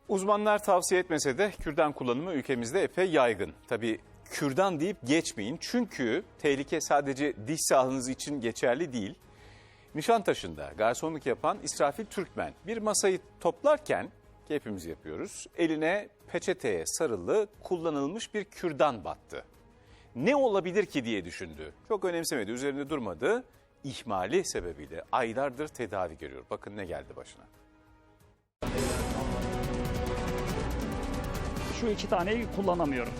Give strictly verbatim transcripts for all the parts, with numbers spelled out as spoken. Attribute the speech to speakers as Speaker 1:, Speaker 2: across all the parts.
Speaker 1: Uzmanlar tavsiye etmese de kürdan kullanımı ülkemizde epey yaygın. Tabii kürdan deyip geçmeyin çünkü tehlike sadece diş sağlığınız için geçerli değil. Nişantaşı'nda garsonluk yapan İsrafil Türkmen bir masayı toplarken, ki hepimiz yapıyoruz, eline peçeteye sarılı kullanılmış bir kürdan battı. Ne olabilir ki diye düşündü. Çok önemsemedi, üzerinde durmadı. İhmali sebebiyle aylardır tedavi görüyor. Bakın ne geldi başına.
Speaker 2: Şu iki taneyi kullanamıyorum.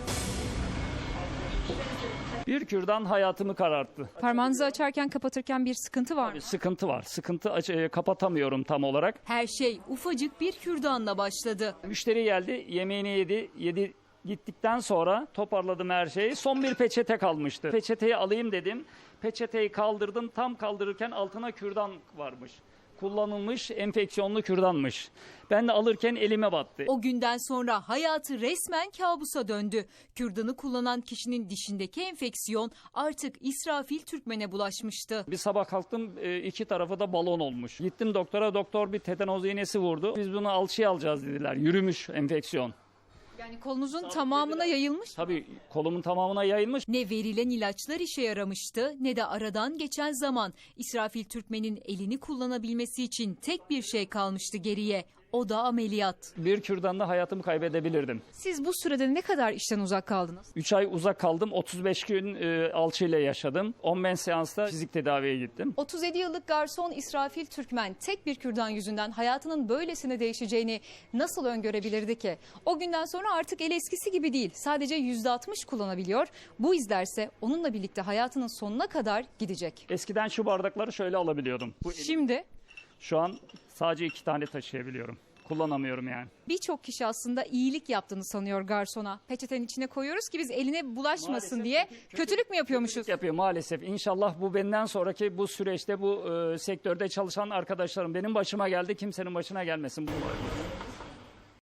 Speaker 2: Bir kürdan hayatımı kararttı.
Speaker 3: Parmağınızı açarken kapatırken bir sıkıntı var mı?
Speaker 2: Sıkıntı var. Sıkıntı aç- e, kapatamıyorum tam olarak.
Speaker 4: Her şey ufacık bir kürdanla başladı.
Speaker 2: Müşteri geldi, yemeğini yedi, yedi gittikten sonra toparladım her şeyi. Son bir peçete kalmıştı. Peçeteyi alayım dedim. Peçeteyi kaldırdım. Tam kaldırırken altına kürdan varmış. Kullanılmış enfeksiyonlu kürdanmış. Ben de alırken elime battı.
Speaker 4: O günden sonra hayatı resmen kabusa döndü. Kürdanı kullanan kişinin dişindeki enfeksiyon artık İsrafil Türkmen'e bulaşmıştı.
Speaker 2: Bir sabah kalktım, e, iki tarafı da balon olmuş. Gittim doktora, doktor bir tetanoz iğnesi vurdu. Biz bunu alçıya alacağız dediler. Yürümüş enfeksiyon.
Speaker 3: Yani kolunuzun tamamına yayılmış.
Speaker 2: Tabii kolumun tamamına yayılmış.
Speaker 4: Ne verilen ilaçlar işe yaramıştı ne de aradan geçen zaman. İsrafil Türkmen'in elini kullanabilmesi için tek bir şey kalmıştı geriye. O da ameliyat.
Speaker 2: Bir kürdanla hayatımı kaybedebilirdim.
Speaker 3: Siz bu sürede ne kadar işten uzak kaldınız?
Speaker 2: üç ay uzak kaldım. otuz beş gün e, alçıyla yaşadım. on beş seansta fizik tedaviye gittim.
Speaker 3: otuz yedi yıllık garson İsrafil Türkmen tek bir kürdan yüzünden hayatının böylesine değişeceğini nasıl öngörebilirdi ki? O günden sonra artık el eskisi gibi değil. Sadece yüzde altmış kullanabiliyor. Bu izlerse onunla birlikte hayatının sonuna kadar gidecek.
Speaker 2: Eskiden şu bardakları şöyle alabiliyordum. Bu elim-
Speaker 3: Şimdi
Speaker 2: Şu an sadece iki tane taşıyabiliyorum. Kullanamıyorum yani.
Speaker 3: birçok kişi aslında iyilik yaptığını sanıyor garsona. Peçetenin içine koyuyoruz ki biz eline bulaşmasın
Speaker 2: Maalesef
Speaker 3: diye.
Speaker 2: kötü- kötü-
Speaker 3: Kötülük mü yapıyormuşuz?
Speaker 2: Yapıyor maalesef. İnşallah bu benden sonraki bu süreçte bu e, sektörde çalışan arkadaşlarım benim başıma geldi. Kimsenin başına gelmesin bu.